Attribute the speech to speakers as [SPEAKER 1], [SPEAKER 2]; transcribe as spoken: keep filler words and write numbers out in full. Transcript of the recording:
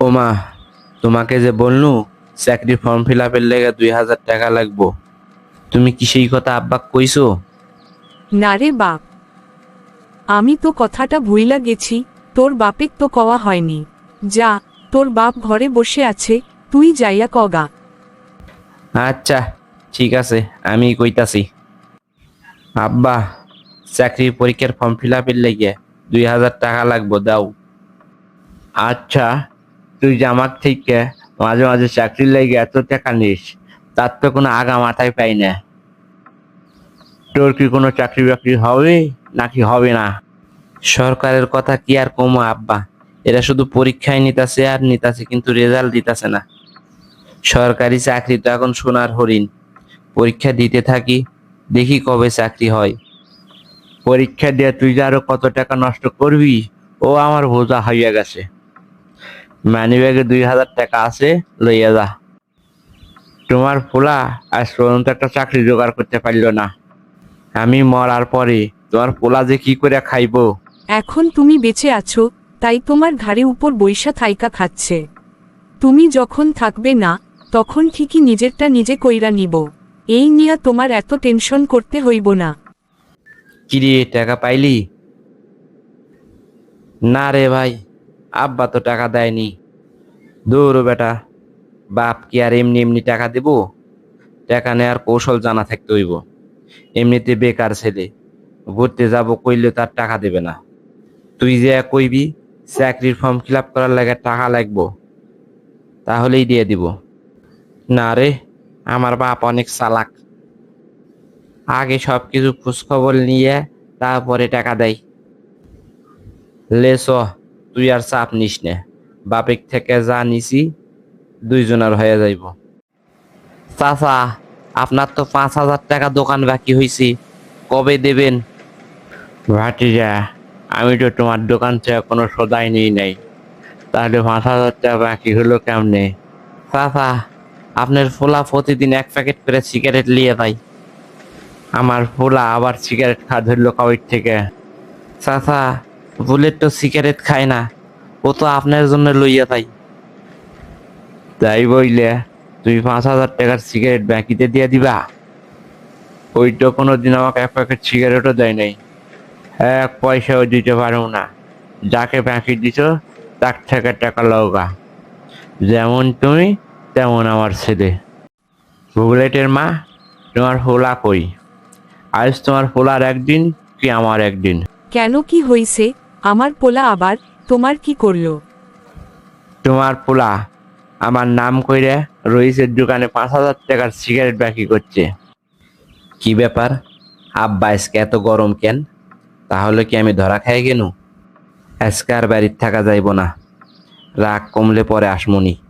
[SPEAKER 1] ওমা, তোমাকে যে বলনু চাকরি ফর্ম ফিল আপের লেগে দুই হাজার টাকা লাগবো, তুমি কি সেই কথা আব্বাক কইছো?
[SPEAKER 2] না রে বাপ, আমি তো কথাটা ভুইলা গেছি। তোর বাপেক তো কওয়া হয়নি। যা, তোর বাপ ঘরে বসে আছে, তুই যাইয়া কগা।
[SPEAKER 1] আচ্ছা, ঠিক আছে, আমি কইতাছি। আব্বা, চাকরির পরীক্ষার ফর্ম ফিল আপের লেগে দুই হাজার টাকা লাগবো, দাও। আচ্ছা, তুই যে আমার থেকে মাঝে মাঝে চাকরির লেগে এত টাকা নিস, তার তো কোনো আগা মাথায় পাই না। তোর কি কোনো চাকরি বাকরি হবে নাকি হবে না? সরকারের কথা কি আর কমো আব্বা, এরা শুধু পরীক্ষায় নিতাছে আর নিতাছে, কিন্তু রেজাল্ট দিতাছে না। সরকারি চাকরি তো এখন সোনার হরিণ। পরীক্ষা দিতে থাকি, দেখি কবে চাকরি হয়। পরীক্ষা দিয়ে তুই যে আরো কত টাকা নষ্ট করবি, ও আমার বোঝা হইয়া গেছে। মানি ব্যাগে দুই হাজার টাকা আছে, লইয়া যা। তোমার পোলা আজ পর্যন্ত একটা চাকরি জোগাড় করতে পারলো না। আমি মরার পরে তোমার পোলা যে কি করে খাইবো।
[SPEAKER 2] এখন তুমি বেঁচে আছো, তাই তোমার ঘাড়ে উপর বৈশা থাইকা খাচ্ছে। তুমি যখন থাকবে না, তখন ঠিকই নিজেরটা নিজে কইরা নিব। এই নিয়া তোমার এত টেনশন করতে হইব না।
[SPEAKER 1] কিরে, টাকা পাইলি? না রে ভাই, আব্বা তো টাকা দেয়নি। দৌড়ো বেটা, বাপ কি আর এমনি এমনি টাকা দিব? টাকা নেয়ার কৌশল জানা থাকতে হইব। এমনিতে বেকার ছেলে, ঘুরতে যাব কইলে তার টাকা দেবে না। তুই যে কইবি চাকরির ফর্ম ফিল আপ করার লাগে টাকা লাগবো, তাহলেই দিয়ে দিব। না রে, আমার বাপ অনেক চালাক, আগে সব কিছু খোঁজখবর নিয়ে তারপরে টাকা দেয়। লে চ, তুই আর চাপ নিস নে, বাপের থেকে যা নিছি দুইজনের হয়ে যাইব। চাচা, আপনার তো পাঁচ হাজার টাকা দোকান বাকি হয়েছি, কবে দেবেন? ভাটিজা, আমি তো তোমার দোকান থেকে কোনো সদাই নিই নাই, তাহলে পাঁচ হাজার টাকা বাকি হলো কেমনে? চাচা, আপনার ফোলা প্রতিদিন এক প্যাকেট করে সিগারেট নিয়ে যায়। আমার ফোলা আবার সিগারেট খাওয়া ধরলো কবে থেকে? চাচা, বুলেট তো সিগারেট খায় না, ও তো আপনার জন্য লইয়া তাই। তাই বইলে তুমি পাঁচ হাজার টাকার সিগারেট বাকিতে দিয়ে দিবা? ওই তো কোনোদিন আমাকে এক প্যাকেট সিগারেটও দেয় নাই, এক পয়সাও দিতে পারো না। যাকে বাকি দিছ তার থেকে টাকা লওগা। যেমন তুমি তেমন আমার ছেলে। বুলেটের মা, তোমার ফোলা কই? আজ তোমার ফোলার একদিন কি আমার একদিন?
[SPEAKER 2] কেন, কি হইছে? আমার পোলা আবার তোমার কি করলো?
[SPEAKER 1] তোমার পোলা আমার নাম কইরে রইসের দোকানে পাঁচ হাজার টাকার সিগারেট বাকি করছে। কি ব্যাপার আব্বা, আজকে এত গরম কেন? তাহলে কি আমি ধরা খাই গেনু? আজকে আর বাড়ির থাকা যাইব না, রাগ কমলে পরে আসমনি।